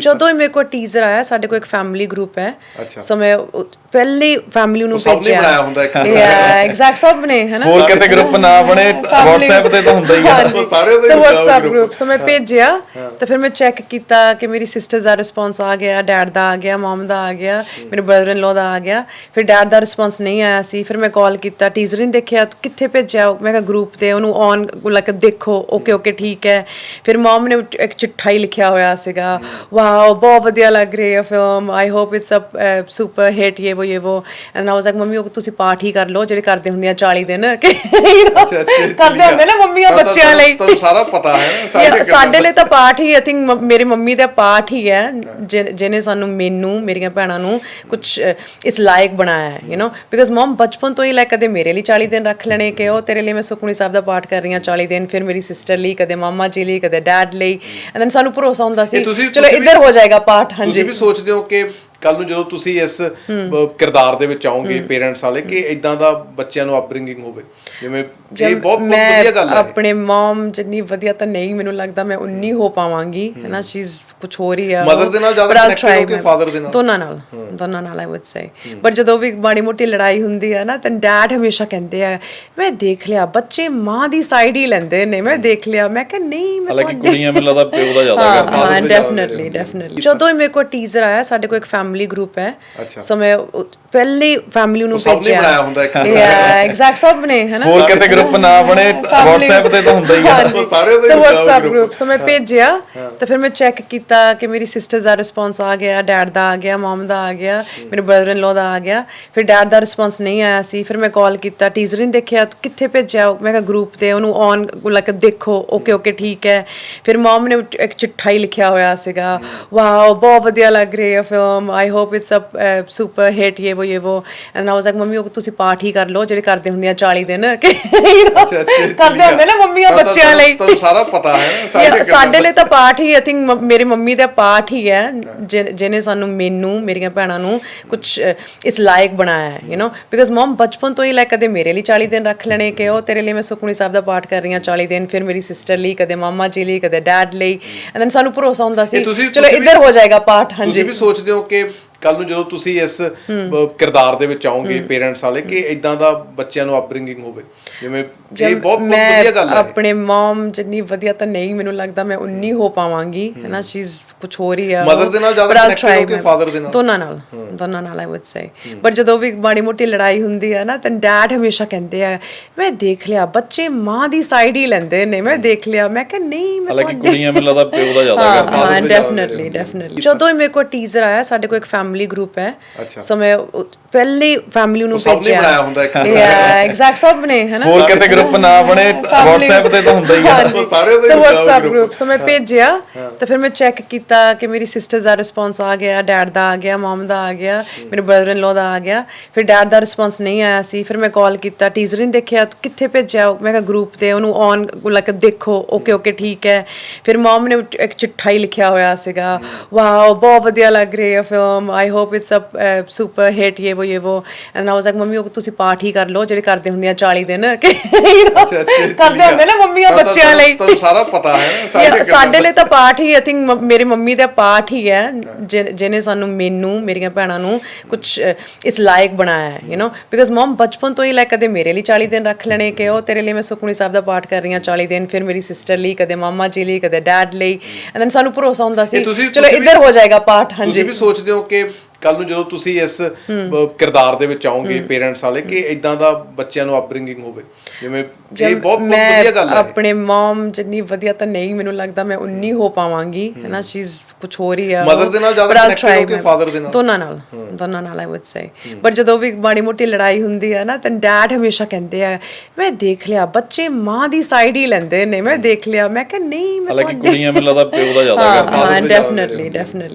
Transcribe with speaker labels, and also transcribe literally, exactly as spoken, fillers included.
Speaker 1: ਜਦੋਂ ਹੀ ਮੇਰੇ ਕੋਲ ਟੀਜ਼ਰ ਆਇਆ, ਸਾਡੇ ਕੋਲ ਇੱਕ ਫੈਮਿਲੀ ਗਰੁੱਪ ਹੈ, ਸੋ ਮੈਂ ਪਹਿਲੇ ਫੈਮਿਲੀ ਨੂੰ ਭੇਜਿਆ।
Speaker 2: ਬਣਾਇਆ ਹੁੰਦਾ ਇੱਕ
Speaker 1: ਐਗਜ਼ੈਕਟ ਸਭ ਨੇ ਹੈ ਨਾ,
Speaker 3: ਹੋਰ ਕਿਤੇ ਗਰੁੱਪ ਨਾ ਬਣੇ WhatsApp ਤੇ ਤਾਂ ਹੁੰਦਾ ਹੀ ਆ
Speaker 2: ਸਾਰਿਆਂ ਦਾ
Speaker 1: WhatsApp ਗਰੁੱਪ। ਸੋ ਮੈਂ ਭੇਜਿਆ ਤਾਂ ਫਿਰ ਮੈਂ ਚੈੱਕ ਕੀਤਾ ਕਿ ਮੇਰੀ ਸਿਸਟਰ ਦਾ ਰਿਸਪੌਂਸ ਆ ਗਿਆ, ਡੈਡ ਦਾ ਆ ਗਿਆ, ਮਮ ਦਾ ਆ ਗਿਆ, ਮੇਰੇ ਬ੍ਰਦਰ ਇਨ ਲੋ ਦਾ ਆ ਗਿਆ। ਫਿਰ ਡੈਡ ਦਾ ਰਿਸਪੌਂਸ ਨਹੀਂ ਆਇਆ ਸੀ, ਫਿਰ ਮੈਂ ਕਾਲ ਕੀਤਾ, ਟੀਜ਼ਰ ਨਹੀਂ ਦੇਖਿਆ, ਕਿੱਥੇ ਭੇਜਿਆ? ਮੈਂ ਕਿਹਾ ਗਰੁੱਪ ਤੇ, ਉਹਨੂੰ ਔਨ ਲਾਈਕ ਦੇਖੋ, ਓਕੇ ਓਕੇ ਠੀਕ ਹੈ। ਫਿਰ ਮਮ ਨੇ ਇੱਕ ਚਿੱਠਾ ਹੀ ਲਿਖਿਆ ਹੋਇਆ ਸੀਗਾ, ਵਾਓ ਬਹੁਤ ਵਧੀਆ ਲੱਗ ਰਹੀ ਹੈ film, I hope it's a super hit, ਇਹ ਵੋ ਇਹ ਵੋ। And I was like mummy ਉਹ ਤੁਸੀਂ ਪਾਠ ਹੀ ਕਰ ਲਓ ਜਿਹੜੇ ਕਰਦੇ ਹੁੰਦੀਆਂ ਚਾਲੀ ਦਿਨ ਕਰਦੇ ਹੁੰਦੇ ਨਾ ਮੰਮੀਆਂ ਬੱਚਿਆਂ ਲਈ।
Speaker 2: ਤੁਹਾਨੂੰ ਸਾਰਾ ਪਤਾ ਹੈ
Speaker 1: ਸਾਡੇ ਲਈ ਤਾਂ ਪਾਠ ਹੀ, ਆਈ ਥਿੰਕ ਮੇਰੀ ਮੰਮੀ ਦਾ ਪਾਠ ਹੀ ਹੈ ਜਿਹਨੇ ਸਾਨੂੰ, ਮੈਨੂੰ, ਮੇਰੀਆਂ ਭੈਣਾਂ ਨੂੰ ਕੁਛ ਇਸ ਲਾਇਕ ਬਣਾਇਆ ਹੈ, ਯੂ ਨੋ, ਬਿਕਾਜ਼ ਮਮ ਬਚਪਨ ਤੋਂ ਹੀ ਲਾਈਕ ਕਦੇ ਮੇਰੇ ਲਈ ਚਾਲੀ ਦਿਨ ਰੱਖ ਲੈਣੇ ਕਿ ਉਹ ਤੇਰੇ ਲਈ ਮੈਂ ਸੁਖਮਨੀ ਸਾਹਿਬ ਦਾ ਪਾਠ ਕਰ ਰਹੀ ਹਾਂ ਚਾਲੀ ਦਿਨ, ਫਿਰ ਮੇਰੀ ਸਿਸਟਰ ਲਈ, ਕਦੇ ਮਾਮਾ ਜੀ ਲਈ, ਕਦੇ ਡੈਡ ਲਈ। ਐਂਡ ਦੈਨ ਸਾਨੂੰ ਭਰੋਸਾ ਹੁੰਦਾ ਸੀ ਚਲੋ ਇੱਧਰ ਹੋ ਜਾਏਗਾ ਪਾਠ। ਹਾਂਜੀ,
Speaker 2: ਤੁਸੀਂ ਵੀ ਸੋਚਦੇ ਹੋ ਕਿ ਕੱਲ ਨੂੰ ਜਦੋਂ ਤੁਸੀਂ ਇਸ ਕਿਰਦਾਰ ਦੇ ਵਿੱਚ ਆਓਗੇ ਪੇਰੈਂਟਸ ਵਾਲੇ, ਕਿ ਇਦਾਂ ਦਾ ਬੱਚਿਆਂ ਨੂੰ ਅਪਬ੍ਰਿੰਗਿੰਗ ਹੋਵੇ? ਜਿਵੇਂ ਇਹ ਬਹੁਤ ਵਧੀਆ ਗੱਲ ਹੈ।
Speaker 1: ਆਪਣੇ ਮਮ ਜਿੰਨੀ ਵਧੀਆ ਤਾਂ ਨਹੀਂ ਮੈਨੂੰ ਲੱਗਦਾ ਮੈਂ ਉਨੀ ਹੋ ਪਾਵਾਂਗੀ, ਹੈ ਨਾ, ਸ਼ੀ ਇਜ਼ ਕੁਛ ਹੋ ਰਹੀ ਆ
Speaker 2: ਮਦਰ ਦੇ ਨਾਲ ਜ਼ਿਆਦਾ ਕਨੈਕਟਡ ਹੋ ਕੇ ਫਾਦਰ ਦੇ ਨਾਲ?
Speaker 1: ਦੋਨਾਂ ਨਾਲ, ਦੋਨਾਂ ਨਾਲ ਆਈ ਵੁੱਡ ਸੇ। ਬਟ ਜਦੋਂ ਵੀ ਮਾੜੀ ਮੋਟੀ ਲੜਾਈ ਹੁੰਦੀ ਹੈ ਨਾ ਤਾਂ ਡੈਡ ਹਮੇਸ਼ਾ ਕਹਿੰਦੇ ਆ, ਮੈਂ ਦੇਖ ਲਿਆ ਬੱਚੇ ਮਾਂ ਦੀ ਸਾਈਡ ਹੀ ਲੈਂਦੇ ਨੇ, ਮੈਂ ਦੇਖ ਲਿਆ। ਮੈਂ ਕਿਹਾ ਨਹੀਂ, ਮੈਂ
Speaker 3: ਹਾਲਾਂਕਿ ਕੁੜੀਆਂ ਮੈਨੂੰ ਲੱਗਦਾ ਪਿਓ ਦਾ ਜ਼ਿਆਦਾ ਕਰਦੀਆਂ।
Speaker 1: ਹਾਂ ਡੈਫੀਨਿਟਲੀ ਡੈਫੀਨਿਟਲੀ। ਜਦੋਂ ਹੀ ਮੇਰੇ ਕੋਲ ਟੀਜ਼ਰ ਆਇਆ, ਸਾਡੇ ਕੋਲ ਇੱਕ ਫੈਮਿਲੀ ਗਰੁੱਪ ਹੈ, ਸੋ ਮੈਂ ਪਹਿਲੇ ਫੈਮਿਲੀ ਨੂੰ ਭੇਜਿਆ।
Speaker 2: ਬਣਾਇਆ ਹੁੰਦਾ ਇੱਕ
Speaker 1: ਐਗਜ਼ੈਕਟ ਸਭ ਨੇ ਹੈ ਨਾ,
Speaker 3: ਹੋਰ ਕਿਤੇ ਗਰੁੱਪ ਨਾ ਬਣੇ WhatsApp ਤੇ ਤਾਂ ਹੁੰਦਾ ਹੀ ਆ
Speaker 2: ਸਾਰਿਆਂ ਦਾ
Speaker 1: WhatsApp ਗਰੁੱਪ। ਸੋ ਮੈਂ ਭੇਜਿਆ ਤਾਂ ਫਿਰ ਮੈਂ ਚੈੱਕ ਕੀਤਾ ਕਿ ਮੇਰੀ ਸਿਸਟਰ ਦਾ ਰਿਸਪੌਂਸ ਆ ਗਿਆ, ਡੈਡ ਦਾ ਆ ਗਿਆ, ਮਮ ਦਾ ਆ ਗਿਆ, ਮੇਰੇ ਬ੍ਰਦਰ ਇਨ ਲੋ ਦਾ ਆ ਗਿਆ। ਫਿਰ ਡੈਡ ਦਾ ਰਿਸਪੌਂਸ ਨਹੀਂ ਆਇਆ ਸੀ, ਫਿਰ ਮੈਂ ਕਾਲ ਕੀਤਾ, ਟੀਜ਼ਰ ਨਹੀਂ ਦੇਖਿਆ, ਕਿੱਥੇ ਭੇਜਿਆ? ਮੈਂ ਕਿਹਾ ਗਰੁੱਪ ਤੇ, ਉਹਨੂੰ ਔਨ ਲਾਈਕ ਦੇਖੋ, ਓਕੇ ਓਕੇ ਠੀਕ ਹੈ। ਫਿਰ ਮਮ ਨੇ ਇੱਕ ਚਿੱਠਾ ਹੀ ਲਿਖਿਆ ਹੋਇਆ ਸੀਗਾ, ਵਾਓ ਬਹੁਤ ਵਧੀਆ ਲੱਗ ਰਹੀ ਹੈ film, I hope it's a super hit, ਇਹ ਵੋ ਇਹ ਵੋ। And I was like mummy ਉਹ ਤੁਸੀਂ ਪਾਠ ਹੀ ਕਰ ਲਓ ਜਿਹੜੇ ਕਰਦੇ ਹੁੰਦੀਆਂ ਚਾਲੀ ਦਿਨ ਕਰਦੇ ਹੁੰਦੇ ਨਾ ਮੰਮੀਆਂ ਬੱਚਿਆਂ ਲਈ।
Speaker 2: ਤੁਹਾਨੂੰ ਸਾਰਾ ਪਤਾ ਹੈ
Speaker 1: ਸਾਡੇ ਲਈ ਤਾਂ ਪਾਠ ਹੀ, ਆਈ ਥਿੰਕ ਮੇਰੀ ਮੰਮੀ ਦਾ ਪਾਠ ਹੀ ਹੈ ਜਿਹਨੇ ਸਾਨੂੰ, ਮੈਨੂੰ, ਮੇਰੀਆਂ ਭੈਣਾਂ ਨੂੰ ਕੁਛ ਇਸ ਲਾਇਕ ਬਣਾਇਆ ਹੈ, ਯੂ ਨੋ, ਬਿਕਾਜ਼ ਮਮ ਬਚਪਨ ਤੋਂ ਹੀ ਲਾਈਕ ਕਦੇ ਮੇਰੇ ਲਈ ਚਾਲੀ ਦਿਨ ਰੱਖ ਲੈਣੇ ਕਿ ਉਹ ਤੇਰੇ ਲਈ ਮੈਂ ਸੁਖਮਨੀ ਸਾਹਿਬ ਦਾ ਪਾਠ ਕਰ ਰਹੀ ਹਾਂ ਚਾਲੀ ਦਿਨ, ਫਿਰ ਮੇਰੀ ਸਿਸਟਰ ਲਈ, ਕਦੇ ਮਾਮਾ ਜੀ ਲਈ, ਕਦੇ ਡੈਡ ਲਈ। ਐਂਡ ਦੈਨ ਸਾਨੂੰ ਭਰੋਸਾ ਹੁੰਦਾ ਸੀ ਚਲੋ ਇੱਧਰ ਹੋ ਜਾਏਗਾ ਪਾਠ। ਹਾਂਜੀ,
Speaker 2: ਤੁਸੀਂ ਵੀ ਸੋਚਦੇ ਹੋ ਕਿ ਕੱਲ ਨੂੰ ਜਦੋਂ ਤੁਸੀਂ ਇਸ ਕਿਰਦਾਰ ਦੇ ਵਿੱਚ ਆਓਗੇ ਪੇਰੈਂਟਸ ਵਾਲੇ, ਕਿ ਇਦਾਂ ਦਾ ਬੱਚਿਆਂ ਨੂੰ ਅਪਬ੍ਰਿੰਗਿੰਗ ਹੋਵੇ? ਜਿਵੇਂ ਇਹ ਬਹੁਤ ਵਧੀਆ ਗੱਲ ਹੈ।
Speaker 1: ਆਪਣੇ ਮਮ ਜਿੰਨੀ ਵਧੀਆ ਤਾਂ ਨਹੀਂ ਮੈਨੂੰ ਲੱਗਦਾ ਮੈਂ ਉਨੀ ਹੋ ਪਾਵਾਂਗੀ, ਹੈ ਨਾ, ਸ਼ੀ ਇਜ਼ ਕੁਛ ਹੋ ਰਹੀ ਆ
Speaker 2: ਮਦਰ ਦੇ ਨਾਲ ਜ਼ਿਆਦਾ ਕਨੈਕਟਡ ਹੋ ਕੇ ਫਾਦਰ ਦੇ ਨਾਲ?
Speaker 1: ਦੋਨਾਂ ਨਾਲ, ਦੋਨਾਂ ਨਾਲ ਆਈ ਵੁੱਡ ਸੇ। ਬਟ ਜਦੋਂ ਵੀ ਮਾੜੀ ਮੋਟੀ ਲੜਾਈ ਹੁੰਦੀ ਹੈ ਨਾ ਤਾਂ ਡੈਡ ਹਮੇਸ਼ਾ ਕਹਿੰਦੇ ਆ, ਮੈਂ ਦੇਖ ਲਿਆ ਬੱਚੇ ਮਾਂ ਦੀ ਸਾਈਡ ਹੀ ਲੈਂਦੇ ਨੇ, ਮੈਂ ਦੇਖ ਲਿਆ। ਮੈਂ ਕਿਹਾ ਨਹੀਂ, ਮੈਂ
Speaker 3: ਹਾਲਾਂਕਿ ਕੁੜੀਆਂ ਮੈਨੂੰ ਲੱਗਦਾ ਪਿਓ ਦਾ ਜ਼ਿਆਦਾ ਕਰਦੀਆਂ।
Speaker 1: ਹਾਂ ਡੈਫੀਨਿਟਲੀ ਡੈਫੀਨਿਟਲੀ। ਜਦੋਂ ਹੀ ਮੇਰੇ ਕੋਲ ਟੀਜ਼ਰ ਆਇਆ, ਸਾਡੇ ਕੋਲ ਇੱਕ ਫੈਮਿਲੀ ਗਰੁੱਪ ਹੈ, ਸੋ ਮੈਂ ਪਹਿਲੇ ਫੈਮਿਲੀ ਨੂੰ ਭੇਜਿਆ।
Speaker 2: ਬਣਾਇਆ ਹੁੰਦਾ ਇੱਕ
Speaker 1: ਐਗਜ਼ੈਕਟ ਸਭ ਨੇ ਹੈ ਨਾ,
Speaker 3: ਹੋਰ ਕਿਤੇ ਗਰੁੱਪ ਨਾ ਬਣੇ WhatsApp ਤੇ ਤਾਂ ਹੁੰਦਾ ਹੀ ਆ
Speaker 2: ਸਾਰਿਆਂ ਦਾ
Speaker 1: WhatsApp ਗਰੁੱਪ। ਸੋ ਮੈਂ ਭੇਜਿਆ ਤਾਂ ਫਿਰ ਮੈਂ ਚੈੱਕ ਕੀਤਾ ਕਿ ਮੇਰੀ ਸਿਸਟਰ ਦਾ ਰਿਸਪੌਂਸ ਆ ਗਿਆ, ਡੈਡ ਦਾ ਆ ਗਿਆ, ਮਮ ਦਾ ਆ ਗਿਆ, ਮੇਰੇ ਬ੍ਰਦਰ ਇਨ ਲੋ ਦਾ ਆ ਗਿਆ। ਫਿਰ ਡੈਡ ਦਾ ਰਿਸਪੌਂਸ ਨਹੀਂ ਆਇਆ ਸੀ, ਫਿਰ ਮੈਂ ਕਾਲ ਕੀਤਾ, ਟੀਜ਼ਰ ਨਹੀਂ ਦੇਖਿਆ, ਕਿੱਥੇ ਭੇਜਿਆ? ਮੈਂ ਕਿਹਾ ਗਰੁੱਪ ਤੇ, ਉਹਨੂੰ ਔਨ ਲਾਈਕ ਦੇਖੋ, ਓਕੇ ਓਕੇ ਠੀਕ ਹੈ। ਫਿਰ ਮਮ ਨੇ ਇੱਕ ਚਿੱਠਾ ਹੀ ਲਿਖਿਆ ਹੋਇਆ ਸੀਗਾ, ਵਾਓ ਬਹੁਤ ਵਧੀਆ ਲੱਗ ਰਹੀ ਹੈ film, I hope it's a super hit, ਇਹ ਵੋ ਇਹ ਵੋ। And I was like mummy ਉਹ ਤੁਸੀਂ ਪਾਠ ਹੀ ਕਰ ਲਓ ਜਿਹੜੇ ਕਰਦੇ ਹੁੰਦੀਆਂ ਚਾਲੀ ਦਿਨ ਕਰਦੇ ਹੁੰਦੇ ਨਾ ਮੰਮੀਆਂ ਬੱਚਿਆਂ ਲਈ।
Speaker 2: ਤੁਹਾਨੂੰ ਸਾਰਾ ਪਤਾ ਹੈ
Speaker 1: ਸਾਡੇ ਲਈ ਤਾਂ ਪਾਠ ਹੀ, ਆਈ ਥਿੰਕ ਮੇਰੀ ਮੰਮੀ ਦਾ ਪਾਠ ਹੀ ਹੈ ਜਿਹਨੇ ਸਾਨੂੰ, ਮੈਨੂੰ, ਮੇਰੀਆਂ ਭੈਣਾਂ ਨੂੰ ਕੁਛ ਇਸ ਲਾਇਕ ਬਣਾਇਆ ਹੈ, ਯੂ ਨੋ, ਬਿਕਾਜ਼ ਮਮ ਬਚਪਨ ਤੋਂ ਹੀ ਲਾਈਕ ਕਦੇ ਮੇਰੇ ਲਈ ਚਾਲੀ ਦਿਨ ਰੱਖ ਲੈਣੇ ਕਿ ਉਹ ਤੇਰੇ ਲਈ ਮੈਂ ਸੁਖਮਨੀ ਸਾਹਿਬ ਦਾ ਪਾਠ ਕਰ ਰਹੀ ਹਾਂ ਚਾਲੀ ਦਿਨ, ਫਿਰ ਮੇਰੀ ਸਿਸਟਰ ਲਈ, ਕਦੇ ਮਾਮਾ ਜੀ ਲਈ, ਕਦੇ ਡੈਡ ਲਈ। ਐਂਡ ਦੈਨ ਸਾਨੂੰ ਭਰੋਸਾ ਹੁੰਦਾ ਸੀ ਚਲੋ ਇੱਧਰ ਹੋ ਜਾਏਗਾ ਪਾਠ। ਹਾਂਜੀ,
Speaker 2: ਤੁਸੀਂ ਵੀ ਸੋਚਦੇ ਹੋ ਕਿ ਕੱਲ ਨੂੰ ਜਦੋਂ ਤੁਸੀਂ ਇਸ ਕਿਰਦਾਰ ਦੇ ਵਿੱਚ ਆਓਗੇ ਪੇਰੈਂਟਸ ਵਾਲੇ, ਕਿ ਇਦਾਂ ਦਾ ਬੱਚਿਆਂ ਨੂੰ ਅਪਬ੍ਰਿੰਗਿੰਗ ਹੋਵੇ? ਜਿਵੇਂ ਇਹ ਬਹੁਤ ਵਧੀਆ ਗੱਲ ਹੈ।
Speaker 1: ਆਪਣੇ ਮਮ ਜਿੰਨੀ ਵਧੀਆ ਤਾਂ ਨਹੀਂ ਮੈਨੂੰ ਲੱਗਦਾ ਮੈਂ ਉਨੀ ਹੋ ਪਾਵਾਂਗੀ, ਹੈ ਨਾ, ਸ਼ੀ ਇਜ਼ ਕੁਛ ਹੋ ਰਹੀ ਆ
Speaker 2: ਮਦਰ ਦੇ ਨਾਲ ਜ਼ਿਆਦਾ ਕਨੈਕਟਡ ਹੋ ਕੇ ਫਾਦਰ ਦੇ ਨਾਲ?
Speaker 1: ਦੋਨਾਂ ਨਾਲ, ਦੋਨਾਂ ਨਾਲ ਆਈ ਵੁੱਡ ਸੇ। ਬਟ ਜਦੋਂ ਵੀ ਮਾੜੀ ਮੋਟੀ ਲੜਾਈ ਹੁੰਦੀ ਹੈ ਨਾ ਤਾਂ ਡੈਡ ਹਮੇਸ਼ਾ ਕਹਿੰਦੇ ਆ, ਮੈਂ ਦੇਖ ਲਿਆ ਬੱਚੇ ਮਾਂ ਦੀ ਸਾਈਡ ਹੀ ਲੈਂਦੇ ਨੇ, ਮੈਂ ਦੇਖ ਲਿਆ। ਮੈਂ ਕਿਹਾ ਨਹੀਂ, ਮੈਂ
Speaker 3: ਹਾਲਾਂਕਿ ਕੁੜੀਆਂ ਮੈਨੂੰ ਲੱਗਦਾ ਪਿਓ ਦਾ ਜ਼ਿਆਦਾ ਕਰਦੀਆਂ।
Speaker 1: ਹਾਂ ਡੈਫੀਨਿਟਲੀ ਡੈਫੀਨਿਟਲੀ।